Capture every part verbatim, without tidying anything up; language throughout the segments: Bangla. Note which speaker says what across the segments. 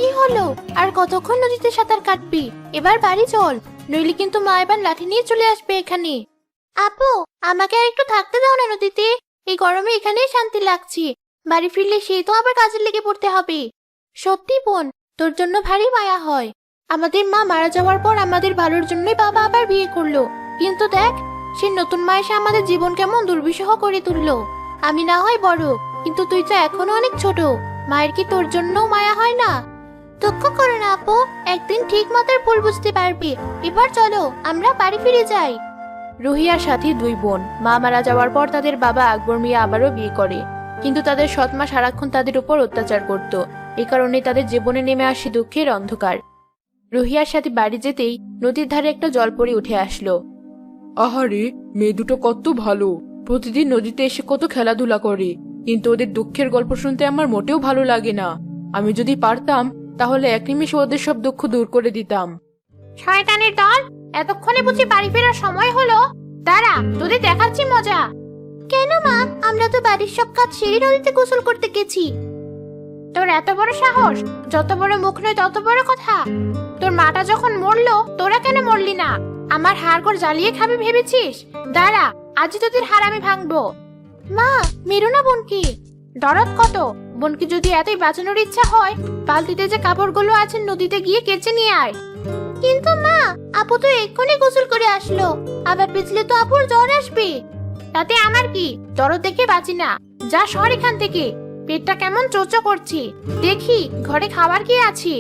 Speaker 1: কি হলো? আর কতক্ষণ নদীতে সাঁতার কাটবি? এবার বাড়ি চল, নইলে কিন্তু মা এবার লাঠি নিয়ে চলে আসবে এখানে। আপু, আমাকে আর একটু থাকতে দাও না নদীতে। এই গরমে এখানেই শান্তি লাগছে। বাড়ি ফিরলে সেই তো আবার কাজে লেগে পড়তে হবে। সত্যি বোন, তোর জন্য ভারী মায়া হয়। আমাদের মা মারা যাওয়ার পর আমাদের ভালোর জন্যই বাবা আবার বিয়ে করলো, কিন্তু দেখ সে নতুন মা এসে আমাদের জীবন কেমন দুর্বিষহ করে তুললো। আমি না হয় বড়, কিন্তু তুই তো এখনো অনেক ছোট। মায়ের কি তোর জন্য মায়া হয় না? দুঃখ করো না আপু, একদিন ঠিক মাতার ভুল বুঝতে পারবি। এবার চলো আমরা বাড়ি ফিরে যাই। রুহি আর সাথী দুই বোন মা মারা যাওয়ার পর তাদের বাবা আকবর মিয়া আবারও বিয়ে করে, কিন্তু তাদের সৎ মা সারাক্ষণ তাদের উপর অত্যাচার করত। এই কারণে তাদের জীবনে নেমে আসে দুঃখের অন্ধকার। রুহি আর সাথী বাড়ি যেতেই নদীর ধারে একটা জলপরি উঠে আসলো।
Speaker 2: আহারে, মেয়ে দুটো কত ভালো, প্রতিদিন নদীতে এসে কত খেলাধুলা করে, কিন্তু ওদের দুঃখের গল্প শুনতে আমার মোটেও ভালো লাগে না। আমি যদি পারতাম তাহলে এক নিমিষে ওদের সব দুঃখ দূর করে দিতাম।
Speaker 1: শয়তানের দল, এতক্ষণে বুঝি বাড়ি ফেরার সময় হলো? দাঁড়া, তোদের দেখাচ্ছি মজা। কেন মা, আমরা তো বাড়ির সব কাজ সেরে নদীতে গোসল করতে গেছি। তোর এত বড় সাহস! যত বড় মুখ নয় তত বড় কথা। তোর মাটা যখন মরলো, তোরা কেন মরলি না? আমার হাড়গোড় জ্বালিয়ে খাবি ভেবেছিস? দাঁড়া, আজই তোদের হাড় আমি ভাঙবো। মা, মেরো না বোনকে। দরদ কত! বোনকে যদি এতই বাঁচানোর ইচ্ছা হয়, বালতিতে যে কাপড়গুলো আছে নদীতে গিয়ে কেচে নিয়ে আয়। কিন্তু মা, আপু তো এক্ষুনি গোসল করে আসলো, আবার পিছলে তো আপুর জ্বর আসবে। তাতে আমার কি? দরদ দেখে বাঁচি না। যা সর এখান থেকে, পেটটা কেমন চোচো করছি। দেখি ঘরে খাবার কি আছে।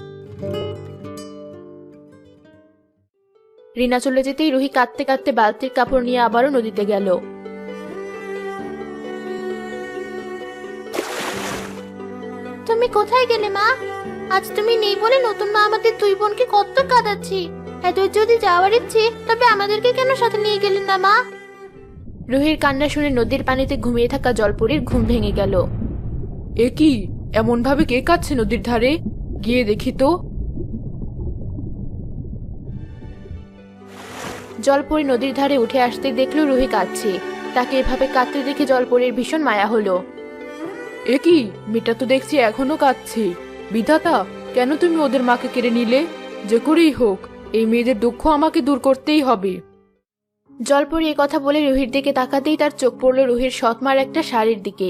Speaker 1: রিনা চলে যেতেই রুহি কাঁদতে কাঁদতে বালতির কাপড় নিয়ে আবারও নদীতে গেল। তুমি কোথায় গেলে মা? আজ তুমি নেই বলে নতুন মা আমাদের দুই বোনকে কত কাঁদাচ্ছি। এত যদি যাওয়ার ইচ্ছে, তবে আমাদেরকে কেন সাথে নিয়ে গেলেন না মা? রুহির কান্না শুনে নদীর পানিতে ঘুমিয়ে থাকা জলপরীর ঘুম ভেঙে গেল।
Speaker 2: এ কি, এমন ভাবে কে কাঁদছে নদীর ধারে? গিয়ে দেখি তো।
Speaker 1: জলপরী নদীর ধারে উঠে আসতে দেখলো রুহি কাঁদছে। তাকে এভাবে কাঁদতে দেখে জলপরীর ভীষণ মায়া হলো।
Speaker 2: এ কি, মেয়েটা তো দেখছি এখনো কাঁদছে। বিধাতা, কেন তুমি ওদের মাকে কেড়ে নিলে? যে করেই হোক এই মেয়েদের দুঃখ আমাকে দূর করতেই হবে।
Speaker 1: জলপরী এ কথা বলে রুহির দিকে তাকাতেই তার চোখ পড়ল রুহির সৎমার একটা শাড়ির দিকে।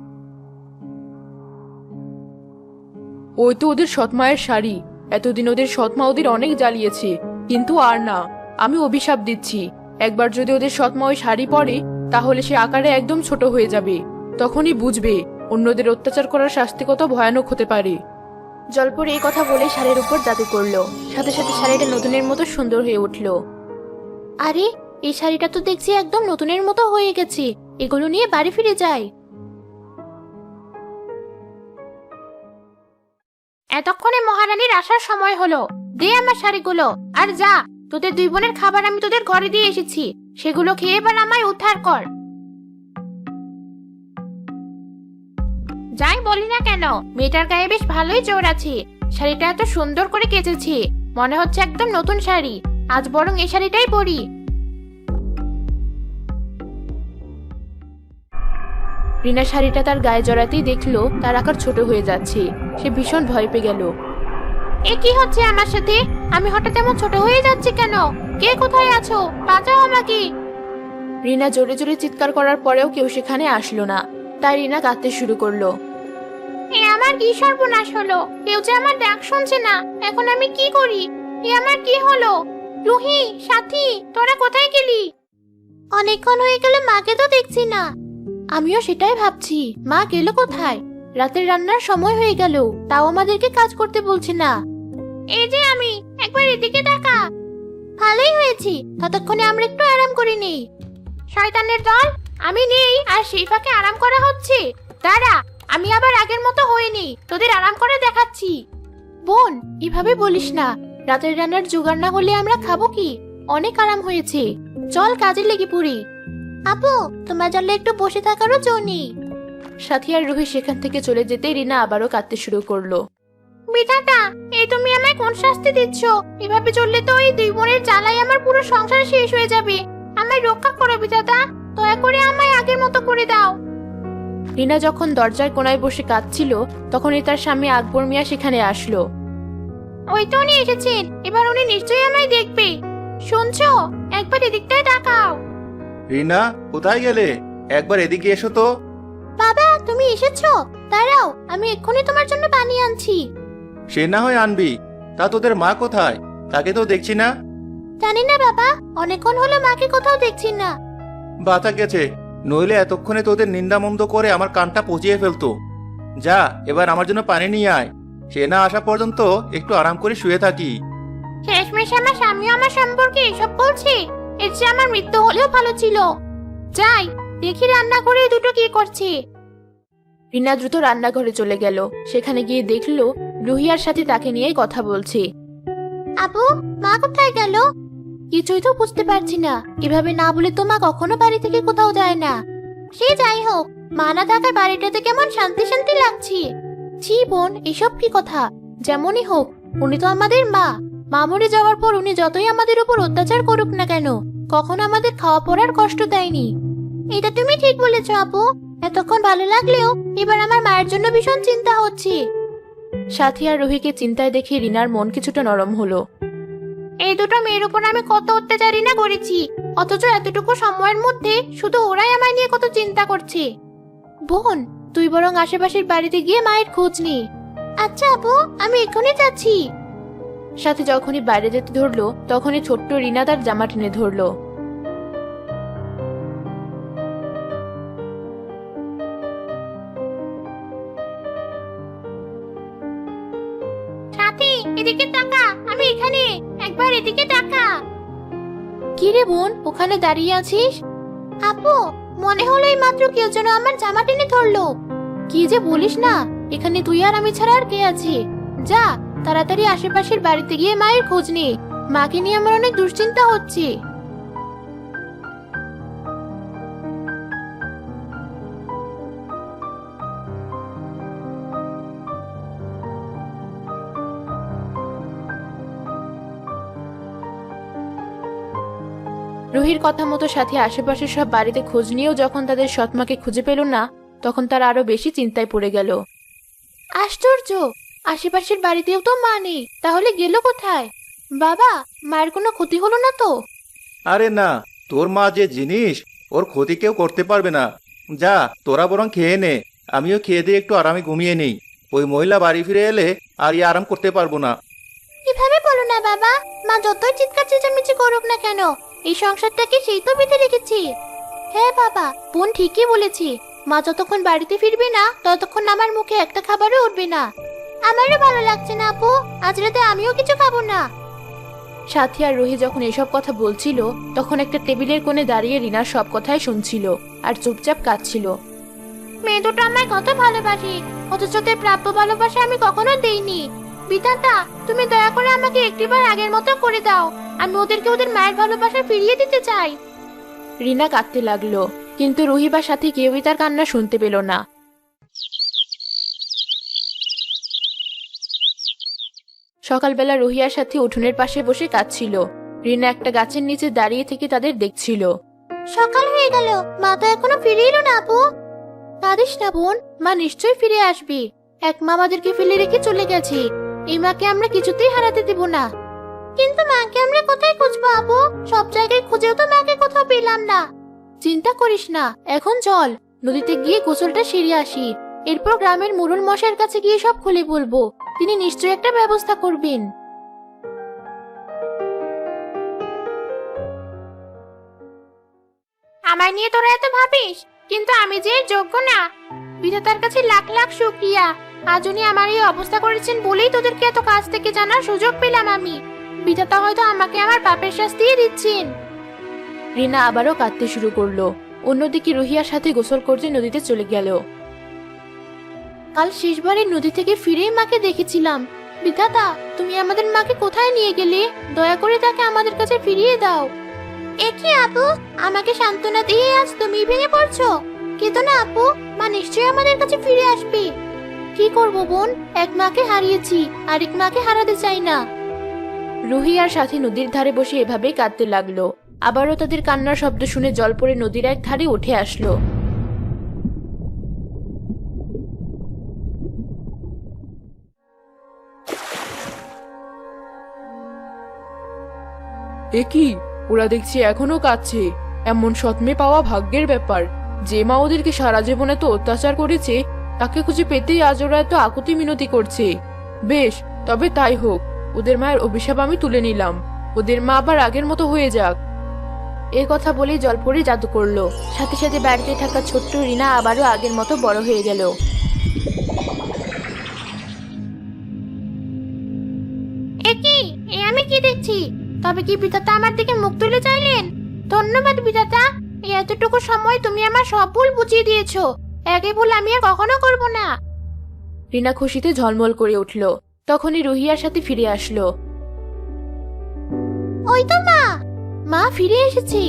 Speaker 2: ওই তো ওদের সৎমায়ের শাড়ি। এতদিন ওদের সৎমা ওদের অনেক জ্বালিয়েছে, কিন্তু আর না। আমি অভিশাপ দিচ্ছি, একবার যদি ওদের সৎমা ওই শাড়ি পরে, তাহলে সে আকারে একদম ছোট হয়ে যাবে। তখনই বুঝবে অন্যদের অত্যাচার করার শাস্তি কত ভয়ানক হতে পারে।
Speaker 1: জলপরী এই কথা বলে শাড়ির উপর জাদু করলো, সাথে সাথে শাড়িটা নতুনের মতো সুন্দর হয়ে উঠল। আরে, এই শাড়িটা তো দেখছি একদম নতুনের মতো হয়ে গেছে। এগুলো নিয়ে বাড়ি ফিরে যাই। এতক্ষণে মহারানীর আসার সময় হলো। দে আমার শাড়িগুলো, আর যা, তোদের দুই বোনের খাবার আমি তোদের ঘরে দিয়ে এসেছি, সেগুলো খেয়ে এবার আমায় উদ্ধার কর। যাই বলি না কেন, মেয়েটার গায়ে বেশ ভালোই জোর আছে। শাড়িটা এত সুন্দর করে কেচেছি, মনে হচ্ছে একদম নতুন শাড়ি। আজ বরং এই শাড়িটাই পরি। রিনা শাড়িটা তার গায়ে জড়াতেই দেখলো তার আকার ছোট হয়ে যাচ্ছে। সে ভীষণ ভয় পেয়ে গেল। এ কি হচ্ছে আমার সাথে? আমি হঠাৎ এমন ছোট হয়ে যাচ্ছি কেন? কে কোথায় আছো? বাঁচাও আমাকে। রিনা জোরে জোরে চিৎকার করার পরেও কেউ সেখানে আসলো না, তাই রিনা কাঁদতে শুরু করলো। এ আমার কি সর্বনাশ হলো! কেউ যে আমার ডাক শুনছে না, এখন আমি কি করি? এ আমার কি হলো? রুহি, সাথী, তোরা কোথায় গেলি? অনেকক্ষণ হয়ে গেল, মাকে তো দেখছি না। আমিও সেটাই ভাবছি, মা গেল কোথায়? রাতের রান্নার সময় হয়ে গেল, তাও আমাদেরকে কাজ করতে বলছে না। এই যে আমি, একবার এদিকে তাকা। ভালোই হয়েছি, ততক্ষণে আমরা একটু আরাম করে নেই। শয়তানের দল, আমি নেই আর সেই ফাঁকে আরাম করা হচ্ছে। দাঁড়া, আমি আবার আগের মতো হইনি, তোদের আরাম করে দেখাচ্ছি। বোন, এভাবে বলিস না। রাতের রান্নার জোগাড় না হলে আমরা খাবো কি? অনেক আরাম হয়েছে, চল কাজে লেগে পড়ি। আপু, তোমার জন্য একটু বসে থাকারও জো নেই। সাথী আর রুহি সেখান থেকে চলে যেতে রিনা আবারও কাঁদতে শুরু করলো। বিধাতা, এই তুমি আমায় কোন শাস্তি দিচ্ছ? এভাবে চললে তো এই দুই বোনের জ্বালায় আমার পুরো সংসার শেষ হয়ে যাবে। আমায় রক্ষা করো বিধাতা, দয়া করে আমায় আগের মতো করে দাও। রিনা যখন দরজার কোনায় বসে কাঁদছিল তখনই তার স্বামী আকবর মিয়া সেখানে আসলো। ওই তো উনি এসেছেন, এবার উনি নিশ্চয়ই আমায় দেখবে। শুনছো, একবার এদিকটায় তাকাও।
Speaker 3: রিনা, কোথায় গেলে? একবার এদিকে এসো তো।
Speaker 1: বাবা, তুমি এসেছো? দাঁড়াও, আমি এক্ষুনি তোমার জন্য পানি আনছি।
Speaker 3: সে না হয় আনবি, তা তোদের মা কোথায়? তাকে তো দেখছি না।
Speaker 1: জানি না বাবা, অনেকক্ষণ হলো মাকে কোথাও দেখছি না।
Speaker 3: বাতা গেছে, নইলে এতক্ষণে তোদের নিন্দামন্দ করে আমার কানটা পচিয়ে ফেলতো। যা, এবার আমার জন্য পানি নিয়ে আয়। সে না আসা পর্যন্ত একটু আরাম করে শুয়ে থাকি।
Speaker 1: শেষমেশ আমার স্বামীও আমার সম্পর্কে এসব বলছে। এর চেয়ে আমার মৃত্যু হলেও ভালো ছিল। যাই দেখি রান্না করে এই দুটো কি করছে। রিনা দ্রুত রান্নাঘরে চলে গেল। সেখানে গিয়ে দেখলো রুহিয়ার সাথে তাকে নিয়ে কথা বলছে। আপু, মা কোথায় গেল? কিছুই তো বুঝতে পারছি না। এভাবে না বলে তো মা কখনো বাড়ি থেকে কোথাও যায় না। সে যাই হোক, মা না থাকায় বাড়িটাতে কেমন শান্তি শান্তি লাগছে। ছি বোন, এসব কি কথা? যেমনই হোক, উনি তো আমাদের মা। মা মরে যাওয়ার পর উনি যতই আমাদের উপর অত্যাচার করুক না কেন, কখনো আমাদের খাওয়া পড়ার কষ্ট দেয়নি। এটা তুমি ঠিক বলেছো আপু। এতক্ষণ ভালো লাগলেও এবার আমার মায়ের জন্য ভীষণ চিন্তা হচ্ছে। সাথী আর রুহিকে চিন্তায় দেখে রিনার মন কিছুটা নরম হলো। এই দুটো মেয়ের উপর আমি কত অত্যাচারই না করেছি, অথচ এতটুকু সময়ের মধ্যে শুধু ওরাই আমায় নিয়ে কত চিন্তা করছে। বোন, তুই বরং আশেপাশের বাড়িতে গিয়ে মায়ের খোঁজ নি। আচ্ছা আপু, আমি এক্ষুনি যাচ্ছি। সাথে যখনই বাইরে যেতে ধরলো তখনই ছোট্ট রিনা তার জামা টেনে ধরলো। সাথী, এদিকে তাকা, আমি এখানে, একবার এদিকে তাকা। কি রে বোন, ওখানে দাঁড়িয়ে আছিস? আপু, মনে হলো এই মাত্র কেউ যেন আমার জামা টেনে ধরলো। কি যে বলিস না, এখানে তুই আর আমি ছাড়া আর কে আছে? যা তাড়াতাড়ি আশেপাশের বাড়িতে গিয়ে মায়ের খোঁজ নে। মাকে নিয়ে আমার অনেক দুশ্চিন্তা হচ্ছে। রুহির কথা মতো সাথী আশেপাশের সব বাড়িতে খোঁজ নিয়েও যখন তাদের সৎমাকে খুঁজে পেল না, তখন তারা আরো বেশি চিন্তায় পড়ে গেল। আশ্চর্য, আশেপাশের বাড়িতেও তো মা নেই, তাহলে গেল কোথায়? বাবা, মায়ের কোনো ক্ষতি হলো না তো?
Speaker 3: আরে না, তোর মা যে জিনিস, ওর ক্ষতি কেউ করতে পারবে না। যা, তোরা বরং খেয়ে নে, আমিও খেয়ে দিয়ে একটু আরামে ঘুমিয়ে নেই। ওই মহিলা বাড়ি ফিরে এলে আর ই আরাম করতে পারবো না।
Speaker 1: এভাবে বলো না বাবা, মা যতই চিৎকার চেঁচামেচি করুক না কেন, এই সংসারটাকে সেই তো বেঁধে রেখেছি। হ্যাঁ বাবা, বোন ঠিকই বলেছি। মা যতক্ষণ বাড়িতে ফিরবে না ততক্ষণ আমার মুখে একটা খাবারও উঠবে না। আমারও ভালো লাগছে না আপু, আজ রাতে আমিও কিছু খাবো না। সাথী আর রুহি যখন এসব কথা বলছিল তখন একটা টেবিলের কোণে দাঁড়িয়ে রিনার সব কথাই শুনছিল আর চুপচাপ কাঁদছিল। মেয়ে দুটো আমায় কত ভালোবাসে, অথচ তার প্রাপ্য ভালোবাসা আমি কখনো দেইনি। বিধাতা, তুমি দয়া করে আমাকে একটিবার আগের মতো করে দাও। আমি ওদেরকে ওদের মায়ের ভালোবাসা ফিরিয়ে দিতে চাই। রিনা কাঁদতে লাগলো, কিন্তু রুহি বা সাথী কেউই তার কান্না শুনতে পেল না। সকালবেলা রুহিয়ার সাথে উঠোনের পাশে বসে কাঁদছিল। রিনা একটা গাছের নিচে দাঁড়িয়ে থেকে তাদের দেখছিল। সকাল হয়ে গেল, মা তো এখনো ফিরে এলো না আপু। কাঁদিস না বোন, মা নিশ্চয়ই ফিরে আসবে। এক মা আমাদেরকে ফেলে রেখে চলে গেছে, এই মাকে আমরা কিছুতেই হারাতে দেব না। কিন্তু মাকে আমরা কোথায় খুঁজবো আপু? সব জায়গায় খুঁজেও তো মাকে কোথাও পেলাম না। চিন্তা করিস না, এখন চল নদীতে গিয়ে গোসলটা সেরে আসি। এরপর গ্রামের মুরুল মশাইয়ের কাছে গিয়ে সব খুলে বলবো, তিনি নিশ্চয়ই একটা ব্যবস্থা করবেন। আমায় নিয়ে তোরা এত ভাবিস, কিন্তু আমি যে যোগ্য না। বিধাতার কাছে লাখ লাখ শুকরিয়া, আজ উনি আমার এই অবস্থা করেছেন বলেই তোদেরকে এত কাছ থেকে জানার সুযোগ পেলাম আমি। বিধাতা হয়তো আমাকে আমার পাপের শাস্তি দিচ্ছেন। রিনা আবারও কাঁদতে শুরু করলো। অন্যদিকে রুহিয়ার সাথে গোসল করতে নদীতে চলে গেল। কাল শেষবারে নদী থেকে ফিরেই মাকে দেখেছিলাম। বিধাতা, তুমি আমাদের মাকে কোথায় নিয়ে গেলে? দয়া করে তাকে আমাদের কাছে ফিরিয়ে দাও। এ কি আপু, আমাকে সান্ত্বনা দিয়ে আজ তুমি ভেঙে পড়ছো? কেঁদো না আপু, মা নিশ্চয়ই আমাদের কাছে ফিরে আসবে। কি করব বোন, এক মাকে হারিয়েছি, আরেক মাকে হারাতে চাই না। রুহি আর সাথী নদীর ধারে বসে এভাবে কাঁদতে লাগলো। আবারও তাদের কান্নার শব্দ শুনে জল পড়ে নদীর এক ধারে উঠে আসলো।
Speaker 2: এ কি, ওরা দেখছি এখনো কাঁদছে। এমন সৎ মেয়ে পাওয়া ভাগ্যের ব্যাপার। যে মা ওদেরকে সারা জীবনে তো অত্যাচার করেছে, তাকে খুঁজে পেতেই আজ ওরা এত আকুতি মিনতি করছে। বেশ, তবে তাই হোক। ওদের মায়ের অভিশাপ আমি তুলে নিলাম। ওদের মা আবার আগের মতো হয়ে যাক।
Speaker 1: এই কথা বলেই জলপরি জাদু করলো। সাথে সাথে বাড়িতে থাকা ছোট্ট রিনা আবারও আগের মতো বড় হয়ে গেল। এ কি, এ আমি কি দেখছি? তবে কি বিধাতা আমার দিকে মুখ তুলে চাইলেন? ধন্যবাদ বিধাতা, এই এতটুকু সময় তুমি আমার সব ভুল বুঝিয়ে দিয়েছো। একই ভুল আমি আর কখনো করব না।
Speaker 2: রিনা খুশিতে ঝলমল করে উঠল। তখনই রুহিয়ার সাথে ফিরে আসলো।
Speaker 1: ওই তো মা, মা ফিরে এসেছি।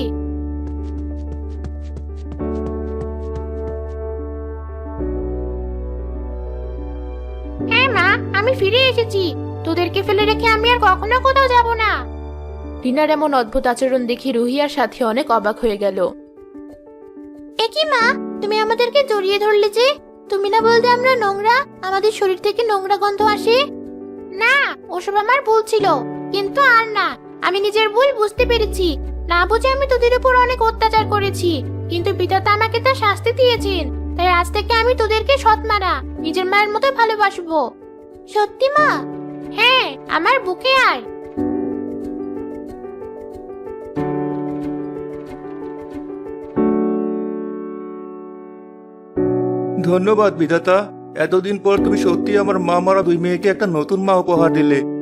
Speaker 1: হ্যাঁ মা, আমি ফিরে এসেছি। তোদেরকে ফেলে রেখে আমি আর কখনো কোথাও যাব না।
Speaker 2: রিনার এমন অদ্ভুত আচরণ দেখে রুহিয়ার সাথে অনেক অবাক হয়ে গেল।
Speaker 1: এ কি মা, তুমি আমাদেরকে জড়িয়ে ধরলে যে? তুমি না বলতে আমরা নোংরা, আমাদের শরীর থেকে নোংরা গন্ধ আসে? না, ওসব আমার ভুল ছিল, কিন্তু আর না। আমি নিজের ভুল বুঝতে পেরেছি। না বুঝে আমি তোদের উপর অনেক অত্যাচার করেছি, কিন্তু বিধাতা আমাকে তা শাস্তি দিয়েছেন। তাই আজ থেকে আমি তোদেরকে সৎ মানা, নিজের মায়ের মতো ভালোবাসবো। সত্যি মা? হ্যাঁ, আমার বুকে আয়।
Speaker 3: ধন্যবাদ বিধাতা। এতদিন পর তুমি সত্যি আমার মা মারা দুই মেয়েকে একটা নতুন মা উপহার দিলে।